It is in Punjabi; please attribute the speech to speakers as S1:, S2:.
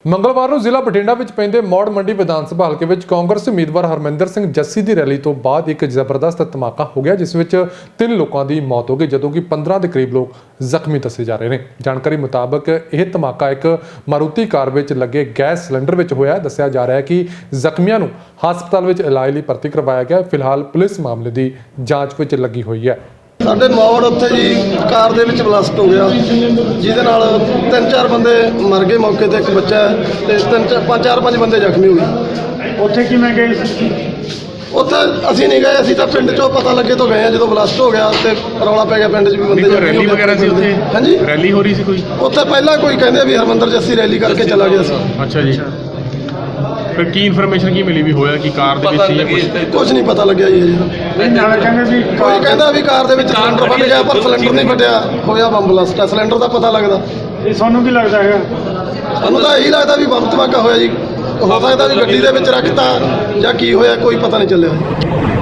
S1: ਮੰਗਲਵਾਰ ਨੂੰ ਜ਼ਿਲ੍ਹਾ ਬਠਿੰਡਾ ਵਿੱਚ ਪੈਂਦੇ ਮੌੜ ਮੰਡੀ ਵਿਧਾਨ ਸਭਾ ਹਲਕੇ ਵਿੱਚ ਕਾਂਗਰਸ ਉਮੀਦਵਾਰ ਹਰਮਿੰਦਰ ਸਿੰਘ ਜੱਸੀ ਦੀ ਰੈਲੀ ਤੋਂ ਬਾਅਦ ਇੱਕ ਜ਼ਬਰਦਸਤ ਧਮਾਕਾ ਹੋ ਗਿਆ, ਜਿਸ ਵਿੱਚ 3 ਲੋਕਾਂ ਦੀ ਮੌਤ ਹੋ ਗਈ ਜਦੋਂ ਕਿ 15 ਦੇ ਕਰੀਬ ਲੋਕ ਜ਼ਖਮੀ ਦੱਸੇ ਜਾ ਰਹੇ ਨੇ। ਜਾਣਕਾਰੀ ਮੁਤਾਬਕ ਇਹ ਧਮਾਕਾ ਇੱਕ ਮਾਰੂਤੀ ਕਾਰ ਵਿੱਚ ਲੱਗੇ ਗੈਸ ਸਿਲੰਡਰ ਵਿੱਚ ਹੋਇਆ। ਦੱਸਿਆ ਜਾ ਰਿਹਾ ਹੈ ਕਿ ਜ਼ਖਮੀਆਂ ਨੂੰ ਹਸਪਤਾਲ ਵਿੱਚ ਇਲਾਜ ਲਈ ਭਰਤੀ ਕਰਵਾਇਆ ਗਿਆ। ਫਿਲਹਾਲ ਪੁਲਿਸ ਮਾਮਲੇ ਦੀ ਜਾਂਚ ਵਿੱਚ ਲੱਗੀ ਹੋਈ ਹੈ।
S2: ਸਾਡੇ ਮੌੜ ਉੱਥੇ ਜੀ ਕਾਰ ਦੇ ਵਿੱਚ ਬਲਾਸਟ ਹੋ ਗਿਆ, ਜਿਹਦੇ ਨਾਲ 3-4 ਬੰਦੇ ਮਰ ਗਏ ਮੌਕੇ ਤੇ, ਇੱਕ ਬੱਚਾ ਤੇ 5 ਬੰਦੇ ਜ਼ਖਮੀ ਹੋ ਗਏ।
S3: ਉੱਥੇ ਕਿਵੇਂ ਗਏ ਸੀ?
S2: ਉੱਥੇ ਅਸੀਂ ਨਹੀਂ ਗਏ, ਅਸੀਂ ਤਾਂ ਪਿੰਡ ਚੋਂ ਪਤਾ ਲੱਗੇ ਤੋਂ ਗਏ ਆ। ਜਦੋਂ ਬਲਾਸਟ ਹੋ ਗਿਆ ਤੇ ਰੌਲਾ ਪੈ ਗਿਆ ਪਿੰਡ 'ਚ ਵੀ ਬੰਦੇ
S3: ਰੈਲੀ ਵਗੈਰਾ ਸੀ ਉੱਥੇ?
S2: ਹਾਂਜੀ,
S3: ਰੈਲੀ ਹੋ ਰਹੀ ਸੀ ਕੋਈ
S2: ਉੱਥੇ ਪਹਿਲਾਂ ਕੋਈ ਕਹਿੰਦੇ ਵੀ ਹਰਮਿੰਦਰ ਜੱਸੀ ਰੈਲੀ ਕਰਕੇ ਚਲਾ ਗਿਆ ਸੀ।
S3: ਅੱਛਾ ਜੀ, ਫਿਰ ਕੀ ਇਨਫੋਰਮੇਸ਼ਨ ਕੀ ਮਿਲੀ ਵੀ ਹੋਇਆ ਕਿ ਕਾਰ ਦੇ ਵਿੱਚ ਜਾਂ
S2: ਕੁਝ ਨਹੀਂ ਪਤਾ ਲੱਗਿਆ ਜੀ। ਕੋਈ ਕਹਿੰਦਾ ਵੀ ਕਾਰ ਦੇ ਵਿੱਚ ਸਿਲੰਡਰ ਫਟ ਗਿਆ, ਪਰ ਸਿਲੰਡਰ ਨਹੀਂ ਫਟਿਆ, ਹੋਇਆ ਬੰਬ ਬਲਾਸਟ। ਸਿਲੰਡਰ ਦਾ ਪਤਾ ਲੱਗਦਾ।
S3: ਇਹ ਤੁਹਾਨੂੰ ਕੀ ਲੱਗਦਾ ਹੈਗਾ?
S2: ਸਾਨੂੰ ਤਾਂ ਇਹੀ ਲੱਗਦਾ ਵੀ ਬੰਬ ਧਮਾਕਾ ਹੋਇਆ ਜੀ। ਹੋ ਸਕਦਾ ਵੀ ਗੱਡੀ ਦੇ ਵਿੱਚ ਰੱਖਤਾ ਜਾਂ ਕੀ ਹੋਇਆ, ਕੋਈ ਪਤਾ ਨਹੀਂ ਚੱਲਿਆ।